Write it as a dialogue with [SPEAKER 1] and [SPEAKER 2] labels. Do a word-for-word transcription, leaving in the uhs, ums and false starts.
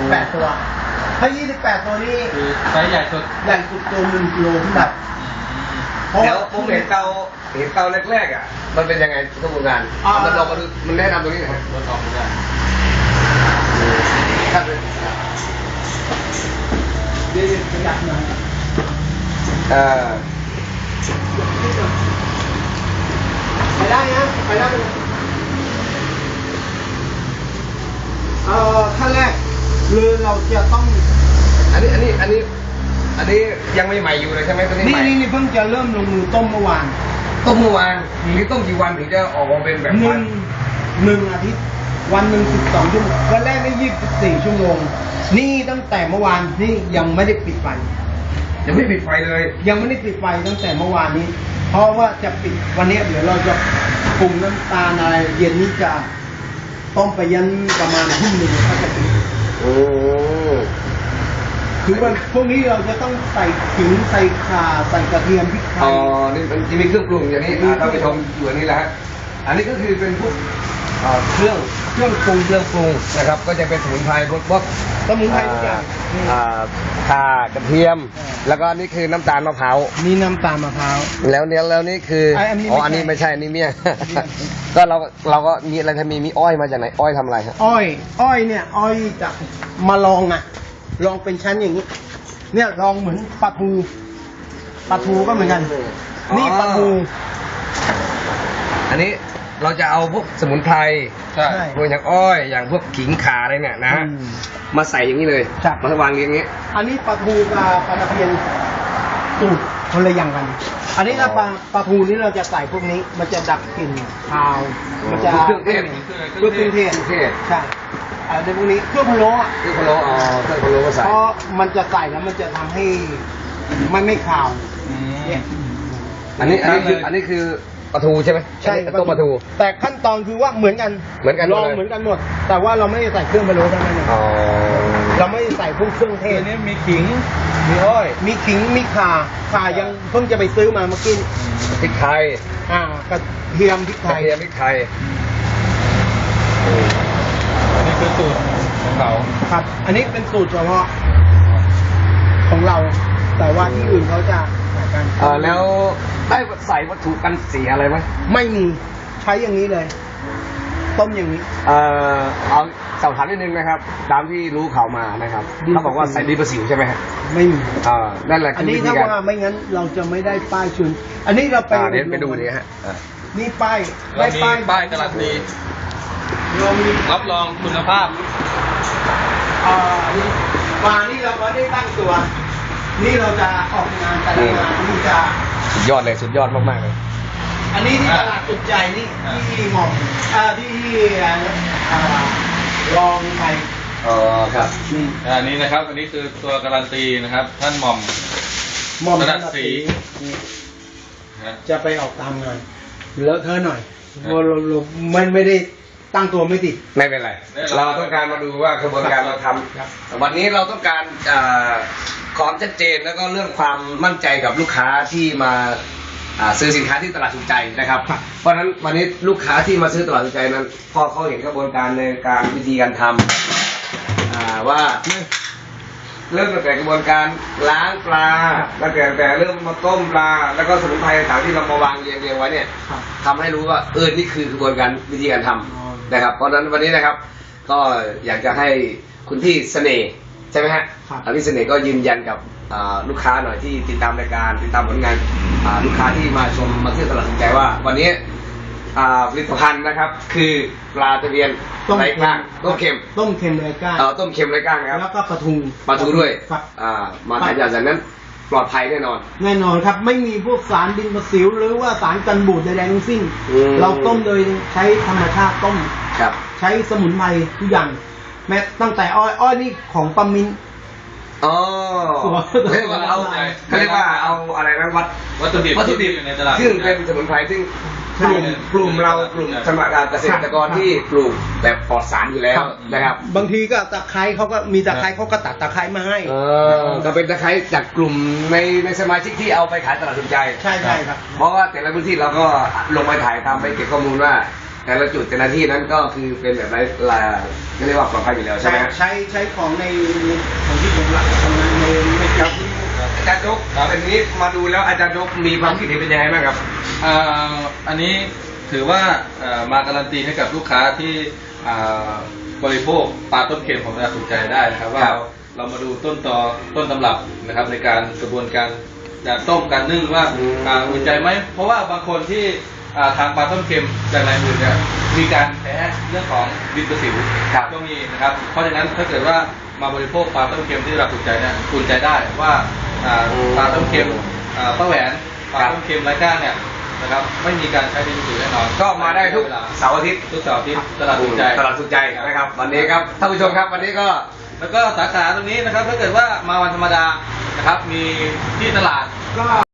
[SPEAKER 1] แปดตัวถ้ายี่สิบแปดตัวนี้
[SPEAKER 2] คือไซส์ใหญ่สุด
[SPEAKER 1] ใหญ่สุดตัวหนึ่งกิโลขึ้นไป
[SPEAKER 3] เดี๋ยวผมเห็นเตาเห็นเตาแรกๆอ่ะมันเป็นยังไงกระบวนการมันลองมาดูมันแนะนำตรงนี้หน่อย
[SPEAKER 2] รถออกไม่ได้
[SPEAKER 1] ครับเดี๋ยวขยับหน่อย
[SPEAKER 3] เออ
[SPEAKER 1] ไปได้นะไปได้เลยเอ่อขั้นแรกคือเราจะต้อง
[SPEAKER 3] อันนี้อันนี้อันนี้อันนี้ยังไม่ใหม่อยู่เลยใช่ไหมตัวนี้
[SPEAKER 1] นี่นี่นี่เพิ่งจะเริ่มลงมือต้มเมื่อวาน
[SPEAKER 3] ต้มเมื่อวานนี่ต้มกี่วันถึงจะออกมาเป็นแบบ
[SPEAKER 1] หนึ่งหนึ่งอาทิตย์วันหนึ่งสิบสองชั่วโมงวันแรกได้ยี่สิบสี่ชั่วโมงนี่ตั้งแต่เมื่อวานนี่ยังไม่ได้ปิดไฟ
[SPEAKER 3] ยังไม่ปิดไฟเลย
[SPEAKER 1] ยังไม่ได้ปิดไฟตั้งแต่เมื่อวานนี้เพราะว่าจะปิดวันนี้เดี๋ยวเราจะปรุงน้ำตาลอะไรเย็นนี้จะต้มไปยันประมาณทุ่มหนึ่งก็จะปิด
[SPEAKER 3] โอ้
[SPEAKER 1] คือวันพวกนี้เราจะต้องใส่ขิงใส่ข่าใส่กระเทียมพริกไทย
[SPEAKER 3] อ๋อนี่มันจะมีเครื่องปรุงอย่างนี้ท่านผู้ชมอยู่อันนี้แหละฮะอันนี้ก็คือเป็นพวกเครื่องเครื่องปรุงเครื่องปรุงนะครับก็จะเป็นสมุนไพรพวกพวก
[SPEAKER 1] สมุนไพรทุกอย่าง
[SPEAKER 3] ข่ากระเทียมแล้วก็นี่คือน้ำตาลมะพร้าว
[SPEAKER 1] นี่น้ำตาลมะพร้าว
[SPEAKER 3] แล้วเนี้ยแล้วนี่คืออ๋ออันนี้ไม่ใช่อันนี้เมี่ยงก็เราเราก็มีอะไรทำมีมีอ้อยมาจากไหนอ้อยทำอะไรครับ
[SPEAKER 1] อ้อยอ้อยเนี่ยอ้อยจะมาลองอ่ะลองเป็นชั้นอย่างนี้เนี่ยลองเหมือนปลาทูปลาทูก็เหมือนกันนี่ปลาทู
[SPEAKER 3] อันนี้เราจะเอาพวกสมุนไพร
[SPEAKER 1] ใช่
[SPEAKER 3] พวกอย่างอ้อยอย่างพวกขิงข่าอะไรเนี่ยนะมาใส่อย่างนี้เลยมาวางเรียงอย่างนี้
[SPEAKER 1] อันนี้ปลาทูกับปลาตะเพียนสูตรคนละอย่างกันอันนี้ถ้าปลาปลาทูนี่เราจะใส่พวกนี้มันจะดับกลิ่นคาวมันจะ
[SPEAKER 3] เครื่องเทศ
[SPEAKER 1] เครื่องเทศใช่ในพวกนี้เครื่องพะโล้
[SPEAKER 3] เครื่องพะโล้อ๋อเครื่องพะโล้ก็ใส่
[SPEAKER 1] เพราะมันจะใส่แล้วมันจะทำให้มันไม่คาว
[SPEAKER 3] อันนี้อันนี้คืออันนี้คือปลาทูใช่ไหม
[SPEAKER 1] ใช่
[SPEAKER 3] ต้มปลาทู
[SPEAKER 1] แต่ขั้นตอนคือว่าเหมือนกัน
[SPEAKER 3] เหมือนกัน
[SPEAKER 1] ลองเหมือนกันหมดแต่ว่าเราไม่ได้ใส่เครื่องพะโล้เท่านั้นเองเราไม่ได้ใส่พวกเครื่องเทศ
[SPEAKER 2] นี่มีขิงมีอ้อย
[SPEAKER 1] มีขิงมีข่าข่ายังเพิ่งจะไปซื้อมาเมื่อกี้
[SPEAKER 3] พริกไทย
[SPEAKER 1] อ่ากระเทียมพริกไทย
[SPEAKER 3] กระเทียมพริกไทย
[SPEAKER 2] อันนี้คือสูตรของเรา
[SPEAKER 1] ครับอันนี้เป็นสูตรเฉพาะของเราแต่ว่าที่อื่นเขาจะใส่กัน
[SPEAKER 3] เออแล้วได้ใส่วัตถุกันเสียอะไรไหม
[SPEAKER 1] ไม่มีใช้อย่างนี้เลยต้มอย่างนี้
[SPEAKER 3] เออเอาสอบถามนิดนึงนะครับตามที่รู้ข่าวมานะครับเขาบอกว่าใส่ดีประสิวใช่ไหมฮะ
[SPEAKER 1] ไม่มี
[SPEAKER 3] อ่านั่นแหละ
[SPEAKER 1] อันนี้ถ้าว่าไม่งั้นเราจะไม่ได้ป้ายชุนอันนี้เราไป
[SPEAKER 3] เดี๋ยวไปดูนี่ฮะ
[SPEAKER 1] นี่ป้าย
[SPEAKER 2] ได้ป้ายป้ายการันตีรับรองคุณภาพ
[SPEAKER 1] อ่าปลานี่เราก็ได้ตั้งตัวนี่เราจะออกงานแต่ละงานนี่จะ
[SPEAKER 3] สุดยอดเลยสุดยอดมากๆเลย
[SPEAKER 1] อันนี้ที่ตลาดสุดใจนี่ที่หม่อมอ่าที่อ่าลองไป
[SPEAKER 3] อ๋อครับ
[SPEAKER 2] นี่อันนี้นะครับอันนี้คือตัวการันตีนะครับท่านหม่อม
[SPEAKER 1] หม่อม
[SPEAKER 2] ระดับสี
[SPEAKER 1] จะไปออกตามงานแล้วเธอหน่อยเรามันไม่ได้ตั้งตัวไม่ติด
[SPEAKER 3] ไม่เป็นไรเราต้องการมาดูว่ากระบวนการเราทำวันนี้เราต้องการความชัดเจนแล้วก็เรื่องความมั่นใจกับลูกค้าที่มาซื้อสินค้าที่ตลาดสุขใจนะครับเพราะฉะนั้นวันนี้ลูกค้าที่มาซื้อตลาดสุขใจนั้นพอเขาเห็นกระบวนการในการวิธีการทำว่าเริ่มตั้งแต่กระบวนการล้างปลาตั้งแต่แต่เริ่มมาต้มปลาแล้วก็สมุนไพรต่างๆที่เรามาวางเรียงเรียงไว้เนี่ยทำให้รู้ว่าเออนี่คือกระบวนการวิธีการทำนะครับเพราะฉะนั้นวันนี้นะครับก็อยากจะให้คุณพี่เสน่ห์ใช่ไหมฮะพี่เสน่ห์ก็ยืนยันกับลูกค้าหน่อยที่ติดตามรายการติดตามผลงานลูกค้าที่มาชมมาเที่ยวตลาดสนใจว่าวันนี้ผลิตภัณฑ์นะครับคือปลาตะเพียนไร้ก้างต้มเค็ม
[SPEAKER 1] ต้มเค็มไร้ก้าง
[SPEAKER 3] ต้มเค็มไร้ก้างนะครับ
[SPEAKER 1] แล้วก็ปลาทู
[SPEAKER 3] ปลาทูด้วยมาถ่ายจากนั้นปลอดภัยแน่นอน
[SPEAKER 1] แน่นอนครับไม่มีพวกสารดินประสิวหรือว่าสารกันบูดใดๆทั้งสิ้นเราต้มโดยใช้ธรรมชาติต้มใช้สมุนไพรทุกอย่างแม้ตั้งแต่อ้อยอ้อยนี่ของปามิน
[SPEAKER 3] อ๋อเรียกว่าเอาเขาเรียกว่าเอาอะไรนะวัด
[SPEAKER 2] วัตถุดิบ
[SPEAKER 3] วัตถุดิบ
[SPEAKER 2] ในตลาด
[SPEAKER 3] ซึ่งเป็นสมุนไพรซึ่งกลุ่มกลุ่มเรากลุ่มสมัครเกษตรกรที่ปลูกแบบปลอดสารอยู่แล้วนะครับ
[SPEAKER 1] บางทีก็ตะไคร้เขาก็มีตะไคร้เขาก็ตัดตะไคร้มาให้
[SPEAKER 3] เออก็เป็นตะไคร้จากกลุ่มในในสมาชิกที่เอาไปขายตลาดสนใจ
[SPEAKER 1] ใช่ใช่ครับ
[SPEAKER 3] เพราะว่าแต่ละพื้นที่เราก็ลงไปถ่ายตามไปเก็บข้อมูลว่าแต่ละจุดแต่ละที่นั้นก็คือเป็นแบบไรลาเรียกว่าปลอดภัยอยู่แล้วใช่
[SPEAKER 1] ใช้
[SPEAKER 3] ไหม
[SPEAKER 1] ใช้ใช้ของในของที่ผมรักทำงานในในครับ
[SPEAKER 3] อาจารย์ยกเป็นนี้มาดูแล้วอาจารย์ยกมีความคิดเห็นเป็นยังไงบ้างครับ
[SPEAKER 2] อ่าอันนี้ถือว่าเอ่อมาการันตีให้กับลูกค้าที่อ่าบริโภคปลาต้นเค็มของเราถูกใจได้นะครับว่า
[SPEAKER 3] ครับ
[SPEAKER 2] เราเรามาดูต้นตอต้นตำรับนะครับในการกระบวนการการต้มการนึ่งว่า
[SPEAKER 3] อืม
[SPEAKER 2] อ่าอุ่นใจไหมเพราะว่าบางคนที่อ่าทานปลาต้มเค็มจากรายอื่นเนี่ยมีการแพ้เรื่องของดินประสิว
[SPEAKER 3] ครับ
[SPEAKER 2] ก็มีนะครับเพราะฉะนั้นถ้าเกิดว่ามาบริโภคปลาต้มเค็มที่เราถูกใจเนี่ยอุ่นใจได้ว่าอ่าปลาต้มเค็มอ่าป้าแหวนปลาต้มเค็มไร้ก้างเนี่ยนะครับไม่มีการใช้ดินประสิวแน่นอน
[SPEAKER 3] ก็มาได้ทุก
[SPEAKER 2] เวลา
[SPEAKER 3] เสาร์อาทิตย์
[SPEAKER 2] ทุกเสาร์อาทิตย์ตลาดถูกใจ
[SPEAKER 3] ตลาดสุขใจนะครับ วันนี้ครับท่านผู้ชมครับวันนี้ก็
[SPEAKER 2] แล้วก็สาขาตรงนี้นะครับถ้าเกิดว่ามาวันธรรมดานะครับมีที่ตลาด
[SPEAKER 1] ก็